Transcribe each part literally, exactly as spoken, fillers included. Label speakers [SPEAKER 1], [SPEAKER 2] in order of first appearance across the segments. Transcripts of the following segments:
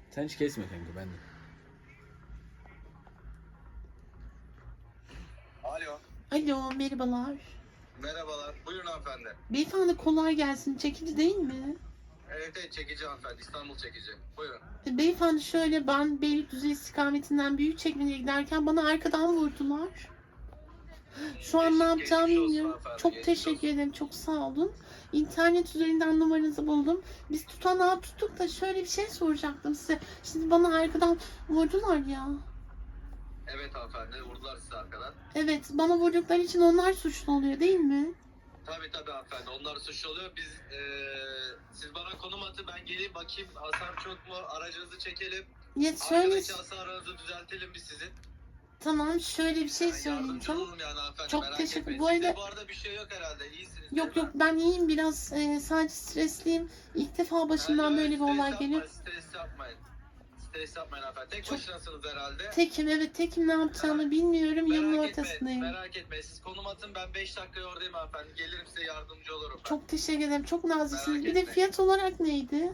[SPEAKER 1] Sen hiç kesme kanka, ben de.
[SPEAKER 2] Alo.
[SPEAKER 3] Alo, merhabalar.
[SPEAKER 2] Merhabalar. Buyurun hanımefendi.
[SPEAKER 3] Beyefendi kolay gelsin. Çekici değil mi?
[SPEAKER 2] Evet evet çekici hanımefendi. İstanbul çekici. Buyurun.
[SPEAKER 3] E, Beyefendi şöyle, ben Beylikdüzü istikametinden Büyükçekmece'ye giderken bana arkadan vurdular. Şu an ne
[SPEAKER 2] Geçmiş-
[SPEAKER 3] yapacağımı
[SPEAKER 2] geçmiş olsun
[SPEAKER 3] bilmiyorum.
[SPEAKER 2] hanımefendi,
[SPEAKER 3] Çok
[SPEAKER 2] geçmiş
[SPEAKER 3] teşekkür
[SPEAKER 2] olsun.
[SPEAKER 3] ederim. Çok sağ olun. İnternet üzerinden numaranızı buldum. Biz tutanağı tuttuk da şöyle bir şey soracaktım size. Şimdi bana arkadan vurdular ya.
[SPEAKER 2] Evet hanımefendi. Vurdular sizi arkadan.
[SPEAKER 3] Evet, bana vurdukları için onlar suçlu oluyor değil mi?
[SPEAKER 2] Tabii tabii hanımefendi. Onlar suçlu oluyor. Biz eee siz bana konum atın. Ben geleyim bakayım. Hasar çok mu? Aracınızı çekelim.
[SPEAKER 3] Ya şöyle,
[SPEAKER 2] Arkadaki hasarınızı düzeltelim biz sizin.
[SPEAKER 3] tamam şöyle bir şey
[SPEAKER 2] Yani yardımcı
[SPEAKER 3] söyleyeceğim.
[SPEAKER 2] olalım yani hanımefendi.
[SPEAKER 3] Çok
[SPEAKER 2] Merak
[SPEAKER 3] teşekkür-
[SPEAKER 2] etmeyin.
[SPEAKER 3] bu arada-
[SPEAKER 2] Sizde bu arada bir şey yok herhalde. İyisiniz.
[SPEAKER 3] Yok
[SPEAKER 2] değil
[SPEAKER 3] yok,
[SPEAKER 2] mi?
[SPEAKER 3] ben iyiyim biraz, e, sadece stresliyim. İlk defa başımdan
[SPEAKER 2] Yani
[SPEAKER 3] böyle bir
[SPEAKER 2] stres
[SPEAKER 3] olay
[SPEAKER 2] yapmayın,
[SPEAKER 3] geliyor.
[SPEAKER 2] Stres yapmayın. Stres yapmayın hanımefendi. Tek
[SPEAKER 3] Çok-
[SPEAKER 2] başınasınız herhalde.
[SPEAKER 3] Tekim, evet tekim, ne yapacağımı bilmiyorum, yolun
[SPEAKER 2] Merak etmeyin,
[SPEAKER 3] ortasındayım.
[SPEAKER 2] merak etmeyin. Siz konum atın, ben beş dakikaya oradayım hanımefendi. Gelirim size yardımcı olurum ben.
[SPEAKER 3] Çok teşekkür ederim, çok naziksiniz.
[SPEAKER 2] Merak
[SPEAKER 3] Bir de
[SPEAKER 2] etmeyin.
[SPEAKER 3] fiyat olarak neydi?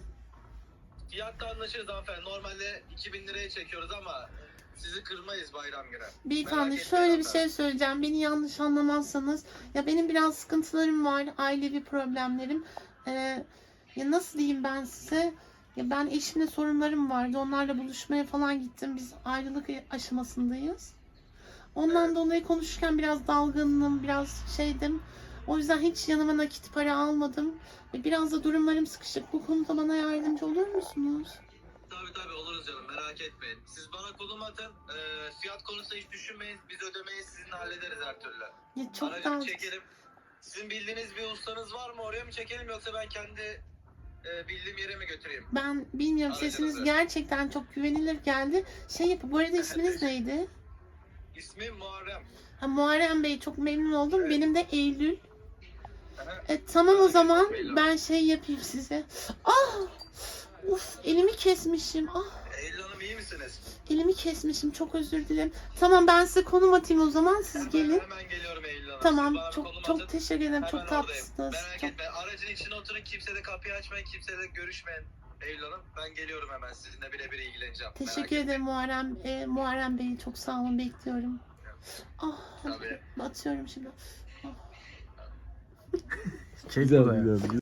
[SPEAKER 2] Fiyatta anlaşırız hanımefendi. Normalde iki bin liraya çekiyoruz ama sizi kırmayız bayram günü.
[SPEAKER 3] Beyefendi
[SPEAKER 2] Merak etmeyin
[SPEAKER 3] şöyle bir
[SPEAKER 2] hanımefendi.
[SPEAKER 3] şey söyleyeceğim, beni yanlış anlamazsanız. Ya benim biraz sıkıntılarım var, ailevi problemlerim. Ee, ya nasıl diyeyim ben size? Ya ben eşimle sorunlarım vardı, onlarla buluşmaya falan gittim. Biz ayrılık aşamasındayız. Ondan
[SPEAKER 2] Evet.
[SPEAKER 3] dolayı konuşurken biraz dalgınım, biraz şeydim. O yüzden hiç yanıma nakit para almadım. Ve biraz da durumlarım sıkışık. Bu konuda bana yardımcı olur musunuz?
[SPEAKER 2] Tabii tabii oluruz canım merak etmeyin. Siz bana konum atın. Ee, fiyat konusunda hiç düşünmeyin. Biz ödemeyi sizinle hallederiz her türlü.
[SPEAKER 3] Ya çok
[SPEAKER 2] Aracı
[SPEAKER 3] daha...
[SPEAKER 2] bir çekelim. Sizin bildiğiniz bir ustanız var mı? Oraya mı çekelim yoksa ben kendi e, bildiğim yere mi götüreyim?
[SPEAKER 3] Ben bilmiyorum,
[SPEAKER 2] Aracınızı.
[SPEAKER 3] sesiniz gerçekten çok güvenilir geldi. Şey yapın, bu arada isminiz neydi?
[SPEAKER 2] İsmim Muharrem.
[SPEAKER 3] Ha, Muharrem Bey, çok memnun oldum.
[SPEAKER 2] Evet.
[SPEAKER 3] Benim de Eylül.
[SPEAKER 2] Aha.
[SPEAKER 3] E, tamam o
[SPEAKER 2] Merak
[SPEAKER 3] zaman
[SPEAKER 2] etme, Eylül.
[SPEAKER 3] ben şey yapayım size. Ah! Uf, elimi kesmişim. Ah!
[SPEAKER 2] Eylül Hanım iyi misiniz?
[SPEAKER 3] Elimi kesmişim, çok özür dilerim. Tamam, ben size konum atayım o zaman, siz
[SPEAKER 2] Hemen,
[SPEAKER 3] gelin.
[SPEAKER 2] hemen geliyorum Eylül Hanım.
[SPEAKER 3] Tamam,
[SPEAKER 2] Siz bana
[SPEAKER 3] çok
[SPEAKER 2] konum
[SPEAKER 3] çok
[SPEAKER 2] atın.
[SPEAKER 3] teşekkür ederim.
[SPEAKER 2] Hemen
[SPEAKER 3] Çok
[SPEAKER 2] oradayım.
[SPEAKER 3] tatlısınız.
[SPEAKER 2] Merak
[SPEAKER 3] Çok...
[SPEAKER 2] etme. Aracın içine oturun. Kimse de kapıyı açmayın. Kimse de görüşmeyin. Eylül Hanım ben geliyorum hemen. Sizinle birebir ilgileneceğim. Merak
[SPEAKER 3] Teşekkür
[SPEAKER 2] etmeyin.
[SPEAKER 3] ederim Muharrem, e, Muharrem Bey, çok sağ olun, bekliyorum. Ah,
[SPEAKER 2] Tabii.
[SPEAKER 3] atıyorum şimdi.
[SPEAKER 1] Güzel ya.